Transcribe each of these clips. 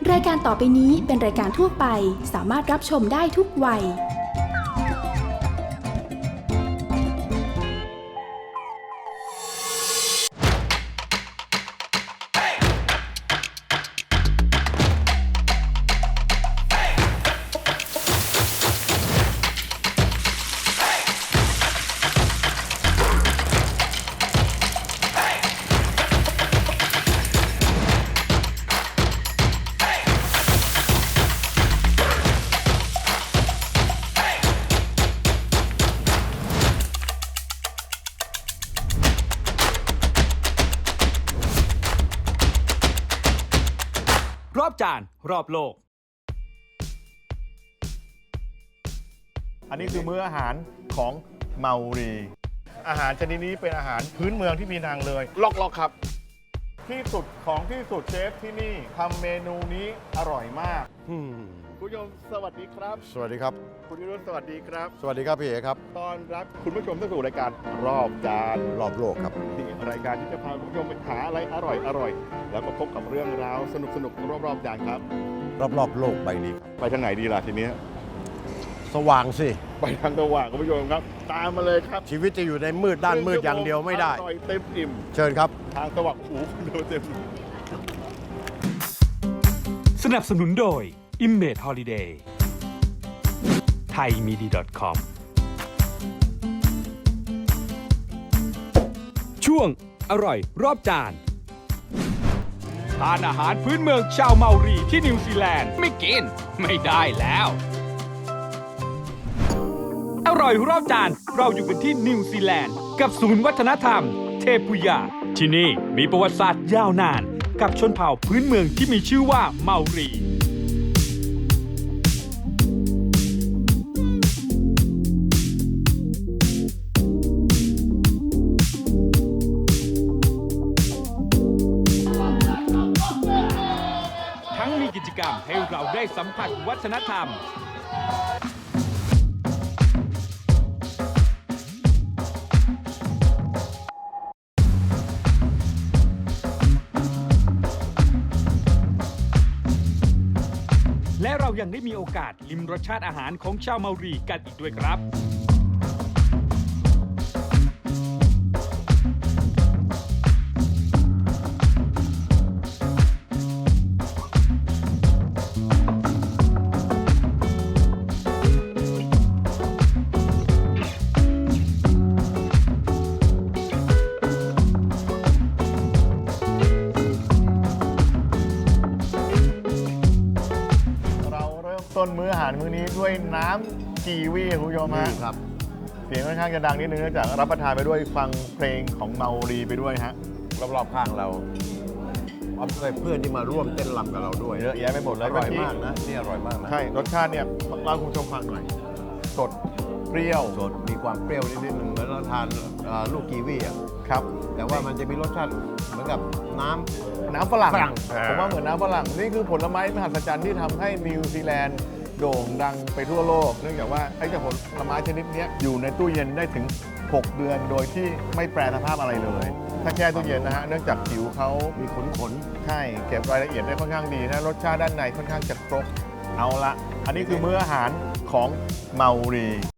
รายการต่อไปนี้เป็นรายการทั่วไปสามารถรับชมได้ทุกวัยรอบจานรอบโลกอันนี้คือมื้ออาหารของเมารีอาหารชนิดนี้เป็นอาหารพื้นเมืองที่มีนางเลยล็อกครับที่สุดของที่สุดเชฟที่นี่ทำเมนูนี้อร่อยมากคุณผู้ชมสวัสดีครับสวัสดีครับคุณวิรุธสวัสดีครับสวัสดีครับพี่เอครับต้อนรับคุณผู้ชมเข้าสู่รายการรอบจานรอบโลกครับที่รายการที่จะพาคุณผู้ชมไปหาอะไรอร่อยแล้วก็พบกับเรื่องราวสนุกรอบจานครับรอบโลกใบนี้ครับไปทางไหนดีล่ะทีนี้สว่างสิไปทางสว่างคุณผู้ชมครับ ตามมาเลยครับชีวิตจะอยู่ในมืดด้านมืดอย่างเดียวไม่ได้อร่อยเต็มอิ่มเชิญครับทางสว่างหูคุณดูเต็มสนับสนุนโดย Image Holiday thaimidi.com ช่วงอร่อยรอบจานทานอาหารพื้นเมืองชาวเมารีที่นิวซีแลนด์ไม่กินไม่ได้แล้ว อร่อยรอบจานเราอยู่กันที่นิวซีแลนด์กับศูนย์วัฒนธรรมเทพุยาที่นี่มีประวัติศาสตร์ยาวนานกับชนเผ่าพื้นเมืองที่มีชื่อว่าเมารีทั้งมีกิจกรรมให้เราได้สัมผัสวัฒนธรรมและเรายังได้มีโอกาสลิ้มรสชาติอาหารของชาวเมารีกันอีกด้วยครับต้นมื้ออาหารมื้อนี้ด้วยน้ำกีวีคุณผู้ชมฮะครับเสียงค่อนข้างจะดังนิดนึงเนื่องจากรับประทานไปด้วยฟังเพลงของเมารีไปด้วยฮะรอบๆข้างเราเอาไปเพื่อนที่มาร่วมเต้นรำกับเราด้วยเยอะแยะไปหมดเลยอร่อยมากนะนี่อร่อยมากนะใช่รสชาติเนี่ยเล่าคุณผู้ชมฟังหน่อย สดเปรี้ยวสดมีความเปรี้ยวนิดๆหนึ่งเหมือนเราทานลูกกีวีอ่ะครับแต่ว่ามันจะมีรสชาติเหมือนกับน้ำน้ำฝรั่งฝรั่งผมว่าเหมือนน้ำฝรั่งนี่คือผลไม้มหัศจรรย์ที่ทำให้นิวซีแลนด์โด่งดังไปทั่วโลก เนื่องจากว่าไอ้เจ้าผลไม้ชนิดนี้อยู่ในตู้เย็นได้ถึง 6 เดือนโดยที่ไม่แปรสภาพอะไรเลย ถ้าแช่ตู้เย็นนะฮะเนื่องจากผิวเขามีขนใช่เก็บรายละเอียดได้ค่อนข้างดีนะรสชาติด้านในค่อนข้างจะครบเอาละอันนี้คือมื้ออาหารของเมารี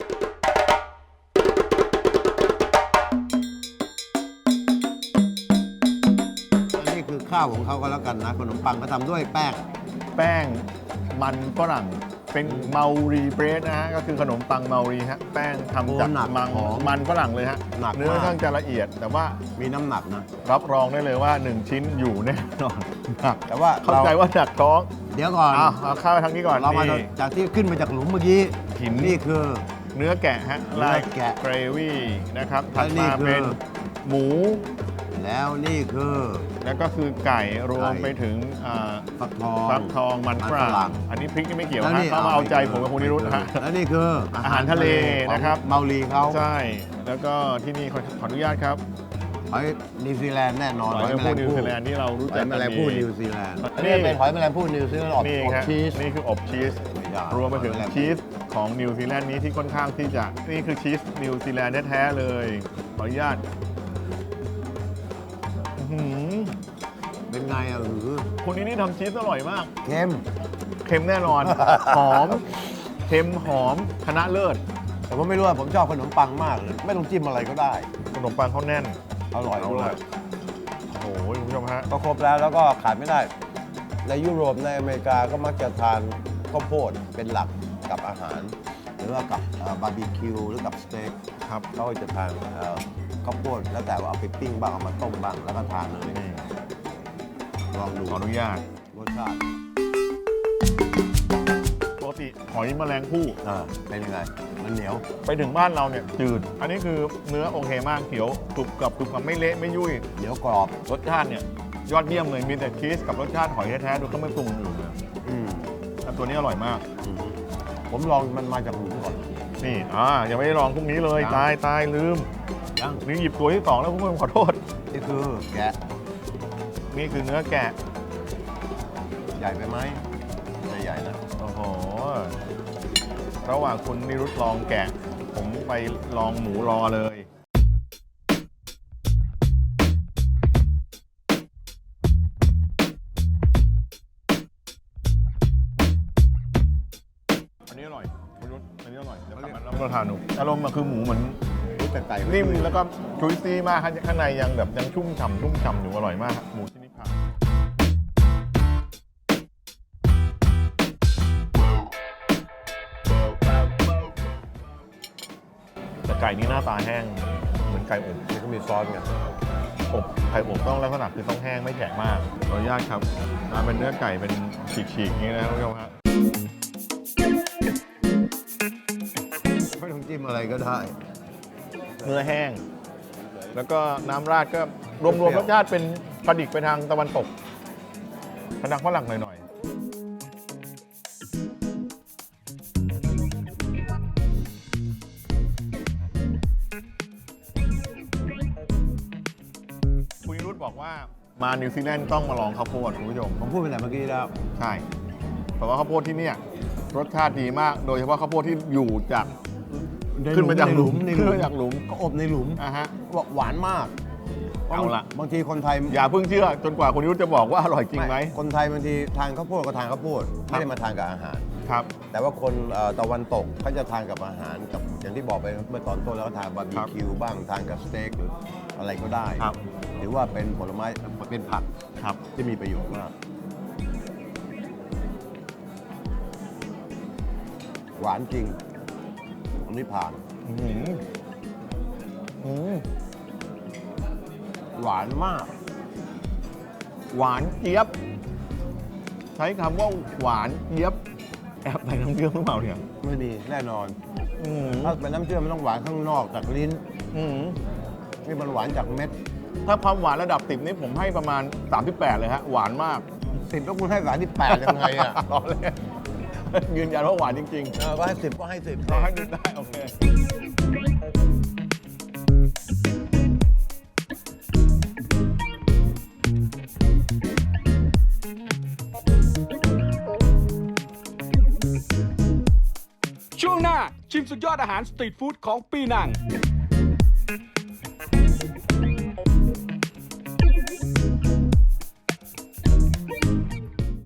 อันนี้คือข้าวของเขาก็แล้วกันนะขนมปังก็ทำด้วยแป้งแป้งมันฝรั่งเป็นเมารีเบรดนะฮะก็คือขนมปังเมารีฮะแป้งทำจากโอ้หนักมันฝรั่งเลยฮะหนักมากเนื้อค่อนข้างจะละเอียด แต่ว่ามีน้ำหนักนะรับรองได้เลยว่า 1 ชิ้นอยู่แน่นอนหนักแต่ว่าเข้าใจว่าหนักท้องเดี๋ยวก่อนเอาเข้าไปทางนี้ก่อนเรามานี่จากที่ขึ้นมาจากหลุมเมื่อกี้หินนี่คือเนื้อแกะฮะเนื้อแกะเกรวี่นะครับถัดและนี่มาคือเป็นหมูแล้วนี่คือแล้วก็คือไก่รวมไก่ไปถึงฟักทองฟักทองมันฝรั่งอันนี้พริกนี่ไม่เกี่ยวฮะเขามาเอาใจผมกับคุณนิรุธนะฮะแล้วนี่คืออาหารทะเลนะครับของเมาลีเขาใช่ แล้วก็ที่นี่ขออนุญาตครับหอยนิวซีแลนด์แน่นอนหอยแมลงภู่นิวซีแลนด์ที่เรารู้หจัอก ยแมกันลงดีภู่นิวซีแลนด์นี่นี่เป็นหอยแมลงภู่นิวซีแลนด์อบนี่อบครับชีสนี่คืออบชีสไม่ได้รวมไปถึงหอยแมลงภู่ชีสของนิวซีแลนด์นี้ที่ค่อนข้างที่จะนี่คือชีสนิวซีแลนด์แท้ๆเลยขออนุญาตอื้อหือเป็นไงอะคนนี้นี่ทำชีสอร่อยมากเค็มเค็มแน่นอน หอม เค็มหอมคณะเลิศแต่ว่าไม่รู้ว่าผมชอบขนมปังมากเลย ไม่ต้องจิ้มอะไรก็ได้ขนมปังเขาแน่นอร่อยเอาด้วละยโอ้ยคุณผู้ชมฮะก็ครบแล้วก็ขาดไม่ได้ ในยุโรปในอเมริกาก็มักจะทานข้าวโพดเป็นหลักกับอาหาร หรือว่ากับบาร์บีคิวหรือกับสเต็กครับเขาก็จะทานข้าวโพดแล้วแต่ว่าเอาไปปิ้งบ้างเอามาต้มบ้างแล้วก็ทานเลยนี่ลองดูขออนุญาตรสชาติปกติหอยแมลงภู่เป็นยังไง มันเหนียวไปถึงบ้านเราเนี่ยจืด อันนี้คือเนื้อโอเคมากเขียวกรุบกับไม่เละไม่ยุ่ยเหนียวกรอบรสชาติเนี่ยยอดเยี่ยมเลยมีแต่ชีสกับรสชาติหอยแท้ๆโดยเขาไม่ปรุงอื่นเลยอืมแต่ตัวนี้อร่อยมากอืมผมลองมันมาจากหลุมก่อนนี่ยังไม่ได้ลองพรุ่งนี้เลยยังตายลืมยังนี่หยิบตัวที่สองแล้วคุณผู้ชมขอโทษนี่คือแกะนี่คือเนื้อแกะใหญ่ไปไหมไม่ใหญ่นะโอ้โห ระหว่างคุณนิรุตลองแกะ ผมไปลองหมูรอเลย อันนี้อร่อยคุณนิรุตอันนี้อร่อยเดี๋ยวกลับมารับประทานดูอารมณ์มันคือหมูเหมือนนี่แต่ไก่นิ่มแล้วก็จุยซี่มากข้างในยังแบบยังชุ่มฉ่ำอยู่อร่อยมากครับหมูที่นี่ผ่านแต่ไก่นี้หน้าตาแห้งเหมือนไก่อบนี่ก็มีซอสไงอบไข่อบต้องลักษณะคือต้องแห้งไม่แข็งมากขออนุญาตครับมาเป็นเนื้อไก่เป็นฉีกๆอย่างนี้นะครับคุณผู้ชมฮะไม่ต้องจิ้มอะไรก็ได้เนื้อแห้ง แล้วก็น้ำราดก็รวมๆรสชาติเป็นกระดิกไปทางตะวันตกทางฝรั่งหน่อยๆคุณนิรุตบอกว่ามานิวซีแลนด์ต้องมาลองข้าวโพดคุณผู้ชมผมพูดไปแต่เมื่อกี้แล้วใช่เพราะว่าข้าวโพดที่เนี่ยรสชาติดีมาก โดยเฉพาะข้าวโพดที่อยู่จากขึ้นมาจากหลุมในขึ้นมาจากหลุมก็อบในหลุมฮะหวานมากเอาละบางทีคนไทยอย่าเพิ่งเชื่อจนกว่าคุณนิรุตจะบอกว่าอร่อยจริงไหมคนไทยบางทีทานข้าวโพดก็ทานข้าวโพดไม่ได้มาทานกับอาหารครับแต่ว่าคนตะวันตกเขาจะทานกับอาหารกับอย่างที่บอกไปเมื่อตอนต้นแล้วก็ทานบาร์บีคิวบ้างทานกับสเต็กหรืออะไรก็ได้ครับหรือว่าเป็นผลไม้เป็นผักครับที่มีประโยชน์มาก หวานจริงอันนี้ผ่านอื้อหืออืมหวานมากหวานเจี๊ยบ ใช้คำว่าหวานเจี๊ยบ แอบใส่น้ำเชื่อมหรือเปล่าเนี่ยไม่มีแน่นอนอืมถ้าเป็นน้ำเชื่อมมันต้องหวานข้างนอกจากลิ้นอืมนี่มันหวานจากเม็ดถ้าความหวานระดับ10นี่ผมให้ประมาณ 38 เลยฮะ หวานมาก 10แล้วคุณให้หวานที่8ยังไงอ่ะรอเลยยืนยันว่าหวานจริงก็ให้10ก็ให้10 ๆเราให้ดูได้ โอเคช่วงหน้าชิมสุดยอดอาหารสตรีทฟู้ดของปีนัง